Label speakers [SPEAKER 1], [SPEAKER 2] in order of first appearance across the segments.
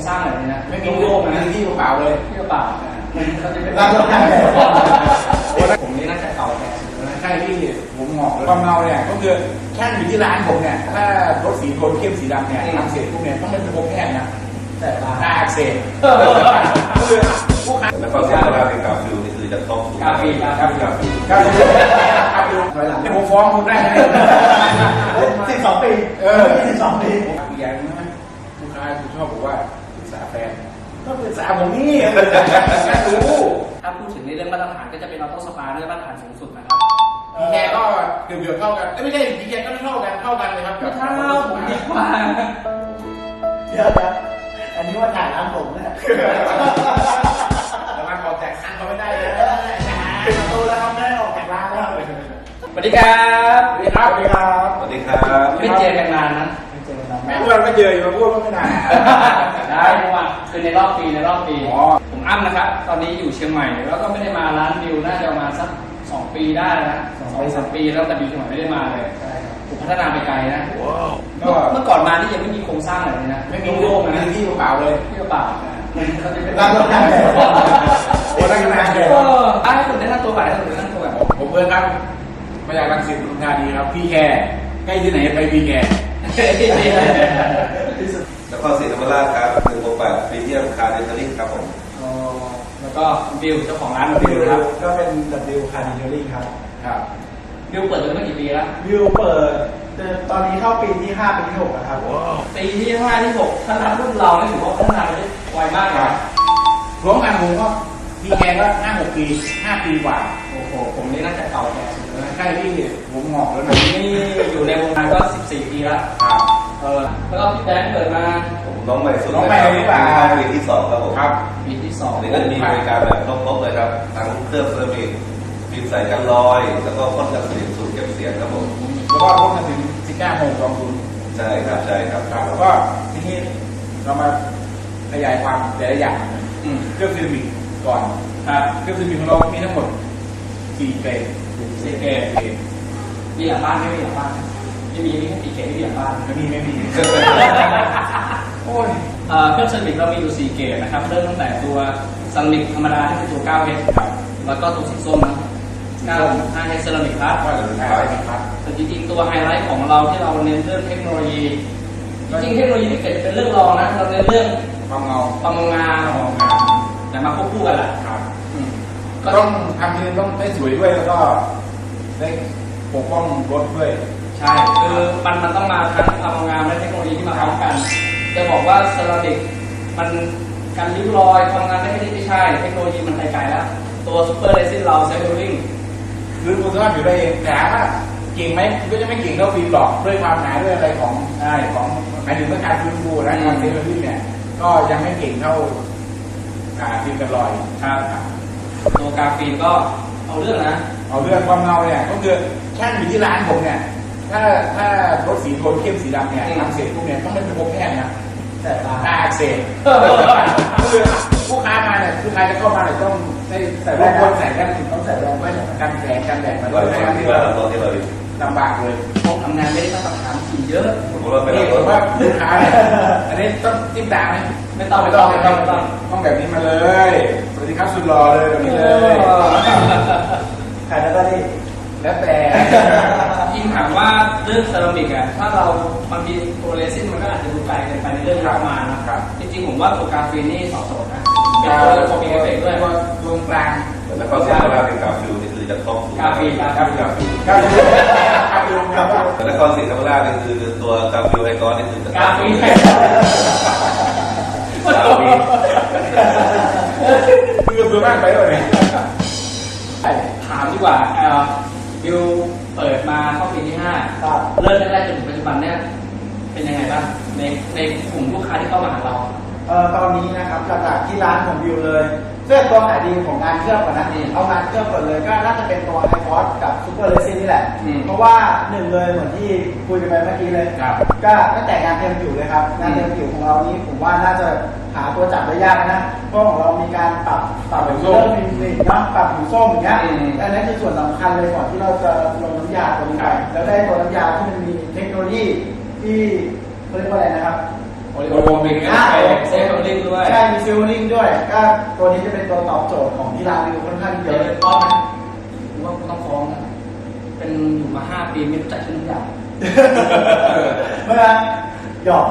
[SPEAKER 1] ร้างอะไรเลยนะ
[SPEAKER 2] ไม่มีโลกนะที่เปล่าเลย
[SPEAKER 1] ที่เปล่าเขาจะเป็นผมนี่น่าจะเก่าแก่
[SPEAKER 2] ใช่ที่ผมหงอกความเงาเนี่ยก็คือแค่อยู่ที่ร้านผมเนี่ยถ้ารถสีโทนเข้มสีดำเนี่ยทำเสร็จพวกเนี่ยต้องเป็นระบบแพทย์นะแต่ตาอักเสบคือผู้ค้า
[SPEAKER 3] แล้วก็เสียงเราเป็นกาฟิวนี่คือจะต้อง
[SPEAKER 1] กาฟี
[SPEAKER 2] กาฟีถอยหลังผมฟ้องคุณได้ไหม
[SPEAKER 4] 12 ปี12 ปี
[SPEAKER 2] อย่างนี้นะลูกค้าคุณชอบบอกว่าปรึกษาแฟนก็ปรึกษาผมนี่รู้
[SPEAKER 1] ถ้าพูดถึงในเรื่องมาตรฐานก็จะเป็นออโต้สปาเรื่องมาตรฐานสูงสุดนะครับ
[SPEAKER 2] พีแกก็เกือบเท่ากันไม่ใช่พีแกก็เท่ากันเลยครับ
[SPEAKER 1] ไม่เท่าผมดีกว่า
[SPEAKER 4] เดี๋ยวอันนี้ว่าถ่ายร้านผมนะ
[SPEAKER 2] แต่มันออกจากร้านเขาไม่ได้เลย
[SPEAKER 4] เป็นประตูแล้วครับได้ออกจากร้านแล้ว
[SPEAKER 1] สวัสดีครับ
[SPEAKER 2] สวัสดีครับสวัสดีครับ
[SPEAKER 3] สวัสดีครับ
[SPEAKER 1] ไม่เจอกันนานนะ
[SPEAKER 2] แม่เพื่อนไม่เจออยู่มาพูดว่าไม่นาน
[SPEAKER 1] ได้เพราะว่าคือในรอบปีผมอ้ำนะครับตอนนี้อยู่เชียงใหม่แล้วก็ไม่ได้มาร้านวิวน่าจะมาสัก2 ปีได้นะ2-3 ปีแล้วแต่วิวเชียงใหม่ไม่ได้มาเลยผมพัฒนาไปไกลนะเมื่อก่อนมานี่ยังไม่มีโครงสร้างอะไรเลยนะ
[SPEAKER 2] ไม่มีโลกนะที่เปล่าเลย
[SPEAKER 1] ที่เปล่าเขาจะเป็น
[SPEAKER 4] ร้านใหญ่
[SPEAKER 2] โอ้ได้ขนาดเลย
[SPEAKER 1] ให้คุณได้หน้าตัวแบบ
[SPEAKER 2] ผมเพื่อนครับมาจากรังสิตปทุมธานีครับพี่แคร์ใกล้ที่ไหนไปพี่แคร์
[SPEAKER 3] แล้วก็ศรีธรรมราชครับ168พรีเมียมคาร์ดินาริครับผม
[SPEAKER 1] แล้วก็บิวเจ้าของร้านบิวครับ
[SPEAKER 4] ก็เป็น W Car Detailing
[SPEAKER 2] ครับ
[SPEAKER 1] บิวเปิดมากี่ปีแล้ว
[SPEAKER 4] บิวเปิดตอนนี้เข้าปีที่5ปีที่6แล้วครับ
[SPEAKER 1] ปีที่5ที่6ถ้านับรุ่นเราเนี่ยถือว่าพัฒนาได้ไวมากครับ
[SPEAKER 2] รวมกันผมก็พี่แคร์ก็5-6 ปี5 ปีกว่า
[SPEAKER 1] โอ้โหผมนี่น่าจะเก่าแก่สุดแล้ว
[SPEAKER 2] ใช่ที่ผมหงอกแล้วนะ
[SPEAKER 1] นี่อยู่ในวงการก็14 ปีแล้วแล้วก็พี่แบงค์เปิดมา
[SPEAKER 3] ผมน้องใหม่สุด
[SPEAKER 2] น้องใหม่ดีกว่า
[SPEAKER 3] ปีที่2ครับผม
[SPEAKER 2] ครับ
[SPEAKER 1] ปีที่2
[SPEAKER 3] นี่ก็จะมีบริการแบบครบเลยครับทั้งเครื่องเซรามิกฟิล์มใสกันรอยแล้วก็พ่นกันสนิมสูตรเก็บเสียงครับผม
[SPEAKER 2] แล้วก็พ่นกันถึง19 โมง2 คืน
[SPEAKER 3] ใช่ครับ
[SPEAKER 2] แล้วก็ทีนี้เรามาขยายความแต่ละอย่างเครื่องเซรามิกก่อนเครื่องเซรามิกของเรามีทั้งหมด4 เกรด
[SPEAKER 1] มีหลังบ้านไม่มีหลังบ้านไม่มีแค่4 เกรดไม่มีหลังบ้าน
[SPEAKER 2] ไม่มีโอ้ย
[SPEAKER 1] เครื่องเซรามิกเรามีอยู่4 เกรดนะครับเริ่มตั้งแต่ตัวเซรามิกธรรมดาที่เป็นตัว 9H แล้วก็ตัวสีส้มนะ5H เซรามิกพลัสแต่จริงๆตัวไฮไลท์ของเราที่เราเน้นเรื่องเทคโนโลยีจริงๆเทคโนโลยีที่เกิดเป็นเรื่องรองนะเราเน้นเรื่อง
[SPEAKER 2] ความเงา
[SPEAKER 1] แต่มาควบคู่กันแหละ
[SPEAKER 2] ก็ต้องทำทีนึงต้องได้สวยด้วยแล้วก็ได้ปกป้องรถด้วย
[SPEAKER 1] ใช่คือมันต้องมาทั้งความงามและเทคโนโลยีที่มาพร้อมกันจะบอกว่าเซรามิกมันการริ้วรอยความงามไม่ใช่เทคโนโลยีมันไปไกลแล้วตัวซูเปอร์เรซินเราเซลลิ่ง
[SPEAKER 2] คือคุณสามารถอยู่ได้เองแต่ว่าเก่งไหมก็จะไม่เก่งเท่าฟิล์มหรอกด้วยความหนาด้วยอะไรของหมายถึงเมื่อการฟื้นฟูนะการเซลลิ่งเนี่ยก็ยังไม่เก่งเท่าฟิล์มกันรอย
[SPEAKER 1] ครับตัวกราฟีนก็เอาเรื่อง
[SPEAKER 2] ความเงาเนี่ยก็คือแค่อยู่ที่ร้านผมเนี่ยถ้ารถสีโทนเข้มสีดำเนี่ยทำเสร็จพวกเนี่ยต้องเป็นระบบแพทย์นะ
[SPEAKER 4] แต่ตา
[SPEAKER 2] อักเสบคือผู้ค้ามาเนี่ยคือใครจะเข้ามาเนี่ยต้องได้ใส่แว่นใส่กันต้องใส่แว่นไว้กันแสงกันแดดมาด้วยนะครับที่เราลำบากเลย
[SPEAKER 1] พวกทำงานไม่ได้มาตรฐานถี่เยอะ
[SPEAKER 2] นี่ผมว่าลูกค้าเนี่ยอันนี้ต้องจิ้มตาไหม
[SPEAKER 1] ไม่ต้อง
[SPEAKER 2] แบบนี้มาเลยสวัสดีครับสุดหล่อเลยแบบนี้เลย
[SPEAKER 4] ขายแล้ว
[SPEAKER 2] แต่
[SPEAKER 1] ยิ่งถามว่าเรื่องเซรามิกอ่ะถ้าเราบางทีตัวเรซินมันก็อาจจะดูไกลเกินไปในเรื่องประมาณนะครับจริงๆผมว่าตัวกราฟีนนี่สอบสดนะเป็นตัวโคมีเอฟเฟกต์ด้วย
[SPEAKER 2] ตรงกลาง
[SPEAKER 3] แล้วก็เสียงเราเป็นกาฟิวนี่คือจะต้อง
[SPEAKER 1] กราฟีน
[SPEAKER 3] แล้วก็ศรีธรรมราชนี่คือตัวกาฟิวไฮกอนนี่คือก
[SPEAKER 1] ราฟีน
[SPEAKER 2] คือตัวมากไปเลย
[SPEAKER 1] ถามดีกว่าบิวเปิดมาเข้าปีที่5เริ่มแรกๆจนถึงปัจจุบันเนี่ยเป็นยังไงบ้างในกลุ่มลูกค้าที่เข้ามาหาเรา
[SPEAKER 4] ตอนนี้นะครับหลักๆที่ร้านของบิวเลยเสื้อตัวขายดีของงานเครื่องก่อนนะเอางานเครื่องก่อนเลยก็น่าจะเป็นตัวไฮฟอสกับซูเปอร์เรซินนี่แหละเพราะว่า1เลยเหมือนที่คุยกันไปเมื่อกี้เลยก็ตั้งแต่งานเต็มผิวเลยครับงานเต็มผิวของเรานี้ผมว่าน่าจะหาตัวจับได้ยากนะเพราะของเรามีการปรับเรื่องมิลลินะปรับผิวส้มอย่างเงี้ยอันนั้นคือส่วนสำคัญเลยก่อนที่เราจะลงน้ำยาตัวนี้ไปแล้วได้ตัวน้ำยาที่มันมีเทคโนโลยีที่เรียกว่าอะไรนะครับ
[SPEAKER 2] อ
[SPEAKER 1] โอลิโอมิกเซฟลิงด้วย
[SPEAKER 4] ใช่มีซิลลิงด้วยก็ตัวนี้จะเป็นตัวตอบโจทย์ของที่ร้านวิวค่อนข้างเย
[SPEAKER 1] เดี๋ยว
[SPEAKER 4] อะ
[SPEAKER 1] เลยป้อนนะผมว่าต้องฟ้องนะเป็นอยู่มา5 ปีไม่รู้จักชื่อทุกอย่าง
[SPEAKER 4] เมื่อหยอก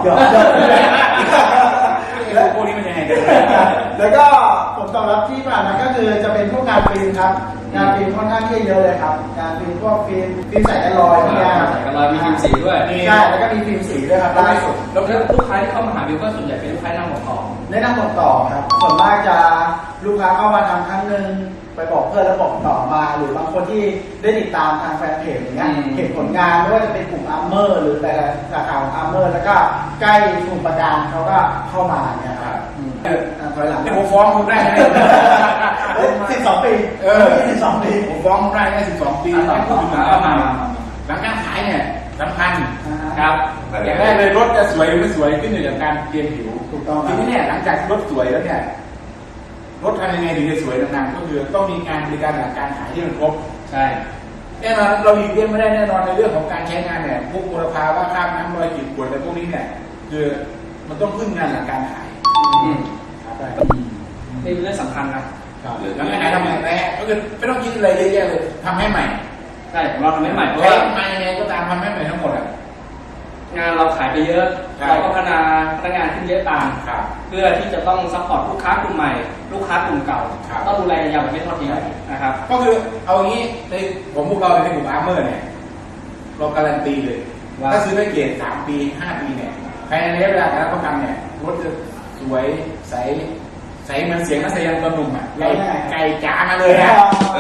[SPEAKER 2] แล้วพวกนี้มันยังไงกัน
[SPEAKER 4] แล้วก็ผลตอบรับที่ผ่านมาก็คือจะเป็นพวกงานฟิล์มครับงานฟิล์มค่อนข้างที่เยอะเลยครับงานฟิล์มพวกฟิล์มใส่กันรอยพวกนี้
[SPEAKER 1] ใส่กันรอยมีฟิล์มสีด้วย
[SPEAKER 4] ใช่แล้วก็มีฟิล์มสีด้วยครับล่าสุด
[SPEAKER 1] แล้วลูกค้าที่เข้ามาหาวิวก็ส่วนใหญ่เป็นลูกค้านั่งหัวต่อ
[SPEAKER 4] แนะนำบอกต่อครับส่วนมากจะลูกค้าเข้ามาทำครั้งหนึ่งไปบอกเพื่อนแล้วบอกต่อมาหรือบางคนที่ได้ติดตามทางแฟนเพจอย่างเงี้ยเห็นผลงานไม่ว่าจะเป็นกลุ่มอาร์เมอร์หรือแต่ละสาขาของอาร์เมอร์แล้วก็ใกล้กลุ่มประดานเขาก็เข้ามาเนี่ยครับถอยหลัง
[SPEAKER 2] ผมฟ้องคุณได้ไหม
[SPEAKER 4] 12 ปี12 ปี
[SPEAKER 2] ผมฟ้องคุณได้แค่12 ปีไม่พูดถึงหลังการขายเนี่ยสำคัญ
[SPEAKER 1] ครับ
[SPEAKER 2] อย่างแรกเลยรถจะสวยหรือไม่สวยขึ้นอยู่กับการเตรียมผิว
[SPEAKER 4] ถูกต้อง
[SPEAKER 2] ทีนี้เนี่ยหลังจากรถสวยแล้วเนี่ยรถทำยังไงถึงจะสวยนานๆก็คือต้องมีการบริการหลังการขายที่มันครบ
[SPEAKER 1] ใช่
[SPEAKER 2] แน่นอนเราหลีกเลี่ยงไม่ได้แน่นอนในเรื่องของการใช้งานเนี่ยพวกมลภาวะข้ามน้ำรอยขีดข่วนอะไรพวกนี้เนี่ยคือมันต้องพึ่งงานหลังการขาย
[SPEAKER 4] ครับได้
[SPEAKER 1] นี่เป็นเรื่องสำคัญนะ
[SPEAKER 2] หลังการขายทำยังไงก็คือไม่ต้องคิดอะไรเยอะแยะเลยทำให้ใหม่
[SPEAKER 1] ใช่ของเราทำให้ใหม่เพราะ
[SPEAKER 2] ใช้
[SPEAKER 1] ว่า
[SPEAKER 2] มายังไงก็ตามทำให้ใหม่ทั้งหมดอ่ะ
[SPEAKER 1] งานเราขายไปเยอะ
[SPEAKER 2] ใช่
[SPEAKER 1] เราก็พัฒนาพนักงานขึ้นเยอะตาม
[SPEAKER 2] ครับ
[SPEAKER 1] เพื่อที่จะต้องซัพพอร์ตลูกค้ากลุ่มใหม่ ลูกค้ากลุ่มเก่า
[SPEAKER 2] ครับ
[SPEAKER 1] ต้องดูแลกันยาวแบบไม่ทอดทิ้งนะครับ
[SPEAKER 2] ก็คือเอางี้ในผมพวกเราในกลุ่มอาร์เมอร์เนี่ยเราการันตีเลย
[SPEAKER 1] ว่า
[SPEAKER 2] ถ้าซื้อแพ็กเกจ3 ปี 5 ปีเนี่ยภายในระยะเวลาการรับประกันเนี่ยรถจะสวยใสเหมือนเสียงนักแสดงตัวหนุ่มอ่ะไก่จ๋ามาเลยอ่ะ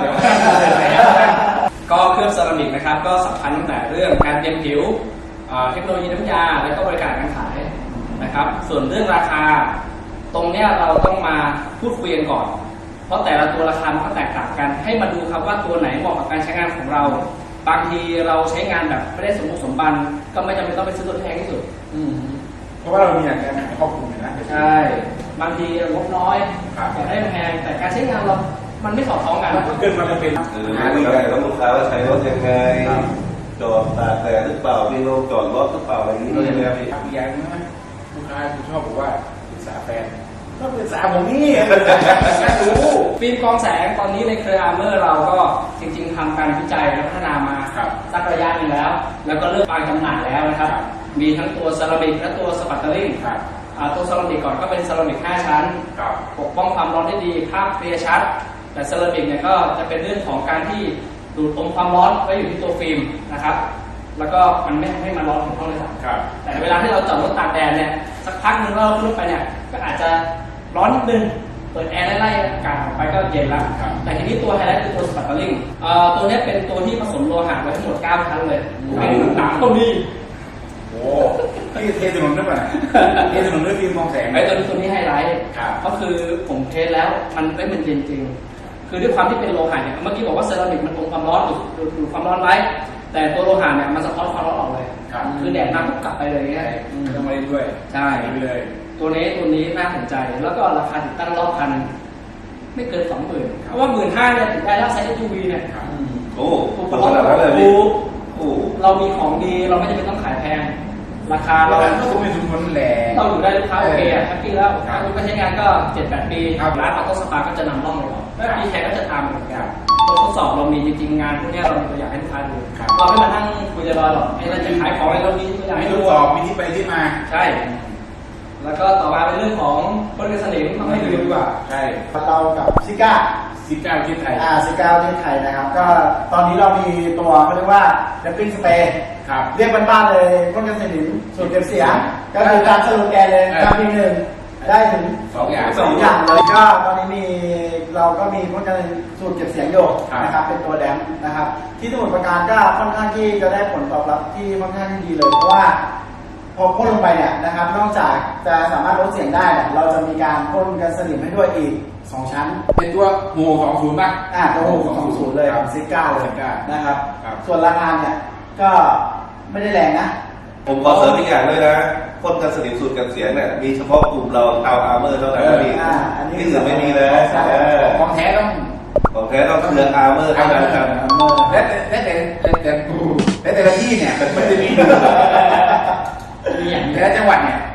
[SPEAKER 1] ก็เคลือบเซรามิกนะครับก็สำคัญตั้งแต่เรื่องการเตรียมผิวเทคโนโลยีน้ำยาและก็บริการการขายนะครับ ส่วนเรื่องราคา ตรงเนี้ยเราต้องมาพูดคุยกันก่อน เพราะแต่ละตัวราคามันก็แตกต่างกัน ให้มาดูครับว่าตัวไหนเหมาะกับการใช้งานของเรา บางทีเราใช้งานแบบไม่ได้สมบูรณ์สมบันก็ไม่จำเป็นต้องไปซื้อตัวที่แพงที่สุด
[SPEAKER 2] เพราะว่าเรามีหลักการขายครอบคลุมอยู่นะ
[SPEAKER 1] ใช่ บางทีงบน้อย
[SPEAKER 2] ครับ
[SPEAKER 1] อยากได้แพงแต่การใช้งานเรา มันไม่สอดคล้องกัน
[SPEAKER 2] เกิดมาเป็น
[SPEAKER 3] หาดีกันแล้วลูกค้าว่าใช้รถยังไงจอดตากแดดหรือเปล่ามีโรงจอดรถหรือเปล่าอะไรอย่างนี้ก็ยังไงครับพี่
[SPEAKER 2] อีกอย่างนึงนะลูกค้าคุณชอบบอกว่าปรึกษาแฟนก็ปรึกษาผมนี่รู้
[SPEAKER 1] ฟิล์มกรองแสงตอนนี้ในเครืออาร์เมอร์เราก็จริงๆทำการวิจัยและพัฒนามา
[SPEAKER 2] ครับ
[SPEAKER 1] สักระยะหนึงแล้ว แล้วก็เริ่มวางจำหน่ายแล้วนะครับ
[SPEAKER 2] ครับ
[SPEAKER 1] มีทั้งตัวเซรามิกและตัวสปัตเตอริง
[SPEAKER 2] ครับ
[SPEAKER 1] ตัวเซรามิกก่อนก็เป็นเซรามิก 5 ชั้น
[SPEAKER 2] ครับ
[SPEAKER 1] ปกป้องความร้อนได้ดีภาพเคลียร์ชัด แต่เซรามิกเนี่ยก็จะเป็นเรื่องของการที่ดูดอมความร้อนไว้อยู่ที่ตัวฟิล์มนะครับ แล้วก็มันไม่ทำให้มันร้อนถึงห้องเลยครับ
[SPEAKER 2] ครับ
[SPEAKER 1] แต่เวลาที่เราจอดรถตากแดดเนี่ยสักพักหนึงเราขึ้นรถไปเนี่ยก็อาจจะร้อนนิดนึงเปิดแอร์ไล่ๆอากาศออกไปก็เย็นแล้ว
[SPEAKER 2] ครับ
[SPEAKER 1] แต่ทีนี้ตัวไฮไลท์คือตัวสปัตเตอริงตัวเนี้ยเป็นตัวที่ผสมโลหะไว้ทั้งหมด 9 ชั้นเลยไม่ถึง3ก็มี
[SPEAKER 2] โอ้พี่เทถนนด้วยป่ะเทถนนด้วยฟิล์มมองแสง
[SPEAKER 1] ไอ้ตัวนี้ไฮไลท์
[SPEAKER 2] ครับ
[SPEAKER 1] ก็คือผมเทสแล้วมันเย็นจริง คือด้วยความที่เป็นโลหะเนี่ยเมื่อกี้บอกว่าเซรามิกมันอมความร้อนดูดความร้อนไว้ แต่ตัวโลหะเนี่ยมันสะท้อนความร้อนออกเลย
[SPEAKER 2] ครับ
[SPEAKER 1] คือแดดมาปุ๊บกลับไปเลยเนี่ย
[SPEAKER 2] ไม่ต้องมาเล่นด้วย
[SPEAKER 1] ใช่
[SPEAKER 2] ไปเลย
[SPEAKER 1] ตัวนี้น่าสนใจ แล้วก็ราคาติดตั้งรอบคันไม่เกิน 20,000เพราะว่า 15,000เนี่ยติดได้แล้วไซส์ SUV เนี่ย
[SPEAKER 2] ครับ
[SPEAKER 3] โอ้ถูกขนาดนั้นเลยพี่โอ้
[SPEAKER 1] เรามีของดีเราไม่จำเป็นต้องขายแพง ราคา
[SPEAKER 2] เรา
[SPEAKER 1] เรา
[SPEAKER 2] ก็สมเหตุสมผลแหละ
[SPEAKER 1] เราอยู่ได้ลูกค้าโอเคอะแฮปปี้แล้ว
[SPEAKER 2] ครับ
[SPEAKER 1] ลูกค้าใช้งานก็ 7-8 ปี
[SPEAKER 2] ครับ
[SPEAKER 1] ร้านออโต้สปาก็จะนำร่องเลยเรา
[SPEAKER 2] ครับ
[SPEAKER 1] ปีแขกก็จะตามเหมือน
[SPEAKER 2] ค
[SPEAKER 1] กั
[SPEAKER 2] รั
[SPEAKER 1] น
[SPEAKER 2] บ
[SPEAKER 1] ทดสอบเรามีจริงๆงานพวกเนี้ยเรามีตัวอย่างให้ลูกค้าดู
[SPEAKER 2] ครับ
[SPEAKER 1] เราไม่มานั่งคุยลอยๆหรอกไอ้เราจะขายของอะไรเรามีตัวอย่าง
[SPEAKER 2] ให้
[SPEAKER 1] ให้
[SPEAKER 2] ท
[SPEAKER 1] ดู
[SPEAKER 2] ดสอบมีที่ไปที่มา
[SPEAKER 1] ใช่ แล้วก็ต่อมาเป็นเรื่องของพ่นกันสนิมต้องให้ดูดีกว่า
[SPEAKER 2] ใช่
[SPEAKER 4] เรากับซิก้า
[SPEAKER 2] ซิก้าประเทศไทย
[SPEAKER 4] ซิก้าประเทศไทยนะครับ ก็ตอนนี้เรามีตัวเขาเรียกว่าแรปปิ้งสเปรย์
[SPEAKER 2] ครับ
[SPEAKER 4] เรียกบ้านๆเลยพ่นกันสนิมสูตรเก็บเสียงก็คือการสโลแกนเลยทำทีหนึ่งได้ถึง
[SPEAKER 2] 2 อย่าง
[SPEAKER 4] 2 อย่างเลยก็ตอนนี้เราก็มีพ่นกันสูตรเก็บเสียงอยู่
[SPEAKER 2] ครับ
[SPEAKER 4] นะครับเป็นตัวแดมป์นะครับ ที่สมุทรปราการก็ค่อนข้างที่จะได้ผลตอบรับที่ค่อนข้างที่ดีเลยเพราะว่า พอพ่นลงไปเนี่ยนะครับ นอกจากจะสามารถลดเสียงได้เนี่ยเราจะมีการพ่นกันสนิมให้ด้วยอีก 2 ชั้น
[SPEAKER 2] เป็นตัวหมู่ของศูนย์ป่ะ
[SPEAKER 4] ตัวของศูนย์เลยของซิก้าเลย
[SPEAKER 2] ซิก้า
[SPEAKER 4] นะครับ
[SPEAKER 2] ครับ
[SPEAKER 4] ส่วนราคาเนี่ยก็ไม่ได้แรงนะ
[SPEAKER 3] ผมขอเสริมอีกอย่างด้วยนะพ่นกันสนิมสูตรกันเสียงเนี่ยมีเฉพาะกลุ่มเราชาวอาร์เมอร์เท่านั้นพี่
[SPEAKER 4] อันนี้
[SPEAKER 3] ที่อื่นไม่มีนะ
[SPEAKER 4] ใช่
[SPEAKER 2] ของแท้ต้อง
[SPEAKER 3] ของแท้ต้องเครืออาร์เมอร์เท่านั้นครับ
[SPEAKER 2] และแต่ละที่เนี่ยมันจะมี
[SPEAKER 1] มีอย่าง
[SPEAKER 2] แต่ละจังหวัดเนี่ย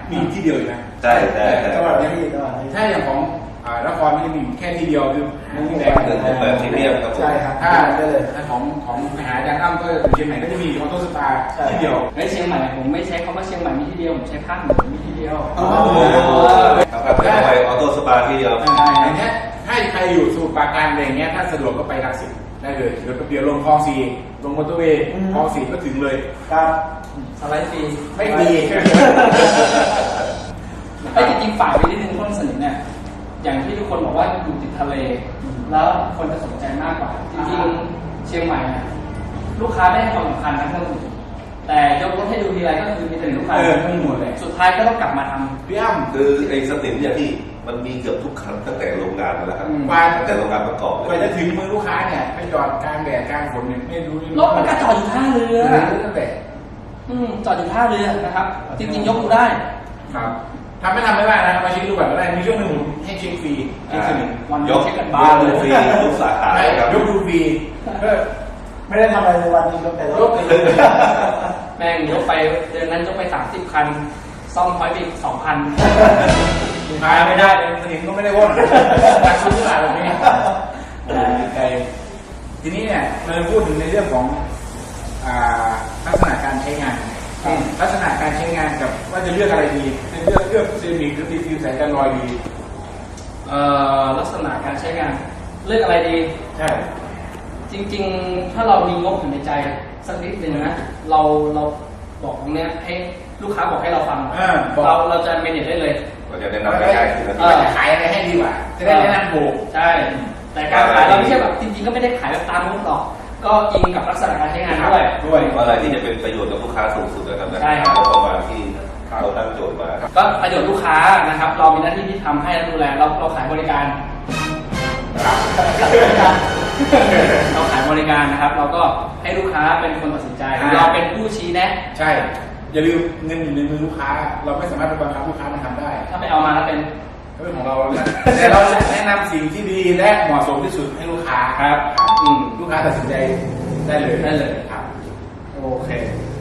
[SPEAKER 2] มีที่เดียวอยู่นะ
[SPEAKER 3] ใช่ใช่ใช่
[SPEAKER 4] จังหวัดนี้จังหวัดนี้
[SPEAKER 2] ถ้าอย่างของนครนี่มีแค่ที่เดียวคือที่แดง
[SPEAKER 3] หนึ่งเป็นแบบพรีเมียมครับผม
[SPEAKER 4] ใช่ครับ
[SPEAKER 2] ถ้า
[SPEAKER 4] ได้เลย
[SPEAKER 2] ของมหาอาจารย์อ้ำก็เชียงใหม่ก็จะมีออโต้สตาร์
[SPEAKER 4] ใช่
[SPEAKER 2] ที่เดียว
[SPEAKER 1] ในเชียงใหม่ผมไม่ใช้คำว่าเชียงใหม่มีที่เดียวผมใช้ภาคเหนือมีที่เดียว
[SPEAKER 4] อ๋อ
[SPEAKER 3] ครับเป็นไปออโต้สปาที่เดียว
[SPEAKER 2] อย่างเงี้ยถ้าใครอยู่สมุทรปราการอะไรอย่างเงี้ยถ้าสะดวกก็ไปรังสิตได้เลยเดี๋ยวก็เดี๋ยวลงคลองสี่ลงมอเตอร์เวย์คลองสี่ก็ถึงเลย
[SPEAKER 4] ครับ
[SPEAKER 1] สไลด์ฟรี
[SPEAKER 2] ไม่ดี
[SPEAKER 1] ไอ้จริงๆฝ่ายไปนิดนึงต้นสนิทเนี่ยอย่างที่ทุกคนบอกว่าอยู่ติดทะเล แล้วคนจะสนใจมากกว่า จริงๆเชียงใหม่เนี่ยลูกค้าได้ให้ความสำคัญทั้งเครื่องดื่มแต่ยกรถให้ดูทีไรก็คือมีแต่ลูกค้า
[SPEAKER 2] ไม่หมดเลย
[SPEAKER 1] สุดท้ายก็ต้องกลับมาทำ
[SPEAKER 2] พี่อ้ำ
[SPEAKER 3] คือไอ้สติมเนี่ยพี่มันมีเกือบทุกคันตั้งแต่โรงงานมาแล้วครับ
[SPEAKER 2] กว่า
[SPEAKER 3] ตั้งแต่โรงงานประกอบ
[SPEAKER 2] กว่าจะถึงมือลูกค้าเนี่ยไปจอดกลางแดดกลางฝนเนี่ยไม่รู้
[SPEAKER 1] รถมันก็จอดอยู่ท่าเรือ
[SPEAKER 2] ตั้งแต่
[SPEAKER 1] จอดอยู่ท่าเรือนะครับ จริงๆยกดูได้
[SPEAKER 2] ครับทำไม่ได้นะมาเช็คดูก่อนก็ได้มีช่วงหนึ่งผมให้เช็คฟรีเช็คสนิท
[SPEAKER 1] วัน
[SPEAKER 3] ย
[SPEAKER 1] นี้
[SPEAKER 3] ก
[SPEAKER 1] เช็คกัน
[SPEAKER 3] ย
[SPEAKER 1] บ้าก น
[SPEAKER 3] ดู
[SPEAKER 1] เลย
[SPEAKER 3] ฟรีทุกสาขาครับ
[SPEAKER 2] ยกดูฟรีก็
[SPEAKER 4] ไม่ได้ทำอะไรในวันนี้ยกแต่ร
[SPEAKER 2] ย
[SPEAKER 4] ถ
[SPEAKER 2] กเลย
[SPEAKER 1] แม่งยกไปเดือนนั้นยกไป30 คัน ซ่อมพอยต์ไปอีก2,000
[SPEAKER 2] ลูกค้าไม่ได้เลยสนิทก็ไม่ได้ว่นตัดชุดตลาดแบบนี้ใจทีนี้เนี่ยเราจะพูดถึงในเรื่องของลักษณะการใช้งานลักษณะการใช้งานกับว่าจะเลือกอะไรดีจะเลือกเซรามิกหรือฟิล์มใสกันรอยดี
[SPEAKER 1] ลักษณะการใช้งานเลือกอะไรดี
[SPEAKER 2] ใช่
[SPEAKER 1] จริงๆ ถ้าเรามีงบอยู่ในใจสักนิดนึงนะ เราบอกตรงเนี้ยให้ลูกค้าบอกให้เราฟัง เราจะเมเนจได้เลย
[SPEAKER 3] เราจะแนะนำง่ายๆคือ
[SPEAKER 2] ว่าจะขายอะไรให้ดีกว่า จะได้แนะนำถูก
[SPEAKER 1] ใช่ แต่การขายเราไม่ใช่แบบจริงๆ ก็ไม่ได้ขายแบบตามงบหรอก ก็อิงกับลักษณะการใช้งานด้วย
[SPEAKER 3] อะไรที่จะเป็นประโยชน์กับลูกค้าสูงสุดนะครับ
[SPEAKER 1] ใช่ครับ
[SPEAKER 3] ประมาณที่เราตั้งโจทย์มา
[SPEAKER 1] ก็ประโยชน์ลูกค้านะครับ เรามีหน้าที่ที่ทำให้และดูแลเราขายบริการ เราขายบริการนะครับ เราก็ให้ลูกค้าเป็นคนตัดสินใจ เราเป็นผู้ชี้แนะ
[SPEAKER 2] ใช่ อย่าลืมเงินอยู่ในมือลูกค้า เราไม่สามารถไปบังคับลูกค้ามันทำได้
[SPEAKER 1] ถ้าไปเอามาแล้วเป็น
[SPEAKER 2] ก็เป็นของเราแต่เราจะแนะนำสิ่งที่ดีและเหมาะสมที่สุดให้ลูกค้า
[SPEAKER 1] ครับ
[SPEAKER 2] ลูกค้าตัดสินใจได้เลย
[SPEAKER 1] ได้เลย
[SPEAKER 2] ครับ
[SPEAKER 1] โอเค